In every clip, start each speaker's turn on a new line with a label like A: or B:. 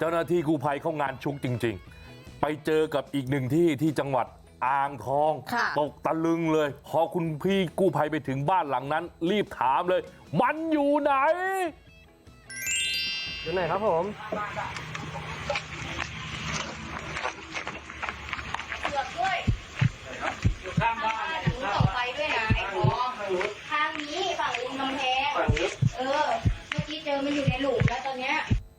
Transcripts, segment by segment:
A: จ้าหน้าที่กู้ภัยเข้างานชุกจริงๆไปเจอกับอีกหนึ่งที่จังหวัดอ่างทองตกตะลึงเลยพอคุณพี่กู้ภัยไปถึงบ้านหลังนั้นรีบถามเลยมันอยู่ไหน
B: อยู่ไหนครับผม
C: เกือบด้วยอยู่ข้างบ้านหนูส่งไฟด้วยนะไอ้ของทางนี้ฝั่งริมกำแพงเมื่อกี้เจอมันอยู่ในหลุมแล้วตอนเนี้ย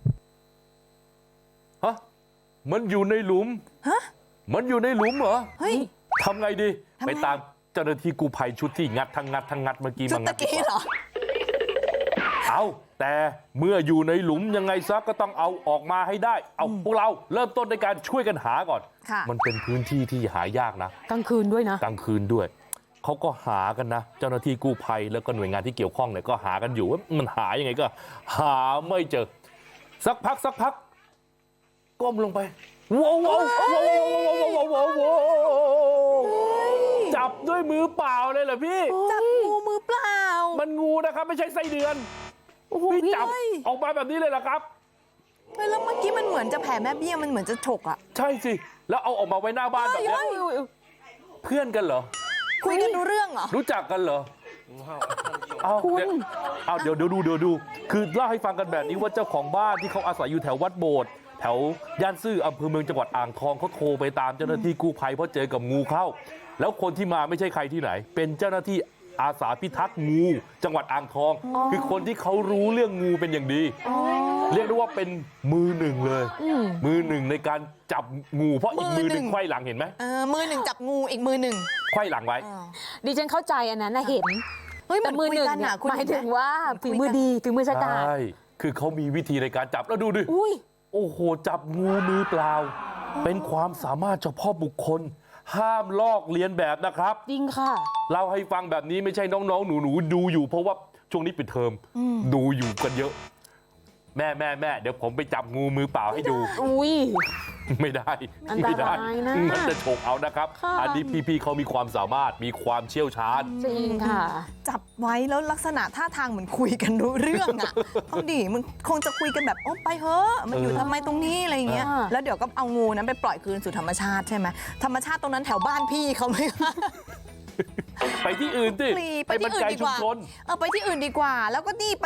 A: ฮะมันอยู่ในหลุมมันอยู่ในหลุมเหรอ
D: เฮ้ย
A: ทำไงดีไปตามเจ้าหน้าที่กู้ภัยชุดที่งัดทั้งงัดเมื่อกี้มางัด
D: เหรอ
A: เอาแต่เมื่ออยู่ในหลุมยังไงซะก็ต้องเอาออกมาให้ได้เอาพวกเราเริ่มต้นในการช่วยกันหาก่อนมันเป็นพื้นที่ที่หายากนะ
D: กลางคืนด้วยนะ
A: กลางคืนด้วยเขาก็หากันนะเจ้าหน้าที่กู้ภัยแล้วก็หน่วยงานที่เกี่ยวข้องเนี่ยก็หากันอยู่ว่ามันหายังไงก็หาไม่เจอสักพักก้มลงไปว้าวจับด้วยมือเปล่าเลยเหรอพี่
D: จับงูมือเปล่า
A: มันงูนะครับไม่ใช่ไส้เดือนพี่จับออกมาแบบนี้เลยเหรอครับ
D: แล้วเมื่อกี้มันเหมือนจะแผ่แม่เบี้ยมันเหมือนจะฉกอ่ะ
A: ใช่สิแล้วเอาออกมาไว้หน้าบ้านแบบนี้เพื่อนกันเหรอ
D: คุยกันรู้เรื่องเหรอ
A: รู้จักกันเหรอเดี๋ยวดูคือเล่าให้ฟังกันแบบนี้ว่าเจ้าของบ้านที่เขาอาศัยอยู่แถววัดโบสถ์แถวย่านซื่ออำเภอเมืองจังหวัดอ่างทองเขาโทรไปตามเจ้าหน้าที่กู้ภัยเพราะเจอกับงูเข้าแล้วคนที่มาไม่ใช่ใครที่ไหนเป็นเจ้าหน้าที่อาสาพิทักษ์งูจังหวัดอ่างทองคือคนที่เขารู้เรื่องงูเป็นอย่างดีเรียกได้ว่าเป็นมือหนึ่งเลยมือหนึ่งในการจับงูเพราะอีกมือหนึ่งไขว้หลังเห็นไหม
D: มือหนึ่งจับงูอีกมือหนึ่ง
A: ไขว้หลังไว้
E: ดิฉันเข้าใจอันนั้นนะเห็น
D: แต่มือหนึ่ง
E: หมายถึงว่าฝีมือดีฝีมือชะกาจ
A: ใช่คือเขามีวิธีในการจับแล้วดูดิโอ้โหจับงูมือเปล่าเป็นความสามารถเฉพาะบุคคลห้ามลอกเลียนแบบนะครับ
E: จริงค่ะ
A: เล่าให้ฟังแบบนี้ไม่ใช่น้องๆหนูๆดูอยู่เพราะว่าช่วงนี้ปิดเทอมดูอยู่กันเยอะแม่เดี๋ยวผมไปจับงูมือเปล่าให้ดูไม่ได้มันจะฉกเอานะครับอันนี้พี่ๆเขามีความสามารถมีความเชี่ยวชาญ
E: จริงค่ะ
D: จับไว้แล้วลักษณะท่าทางเหมือนคุยกันรู้เรื่องอ่ะเอาดิมันคงจะคุยกันแบบโอ้ไปเถอะมันอยู่ทำไมตรงนี้อะไรอย่างเงี้ยแล้วเดี๋ยวก็เอางูนั้นไปปล่อยคืนสู่ธรรมชาติใช่ไหมธรรมชาติตรงนั้นแถวบ้านพี่เขาไหม
A: ไปที่อื่นสิ
D: ไปที่อื่นดีกว่าไปที่อื่นดีกว่าแล้วก็นี่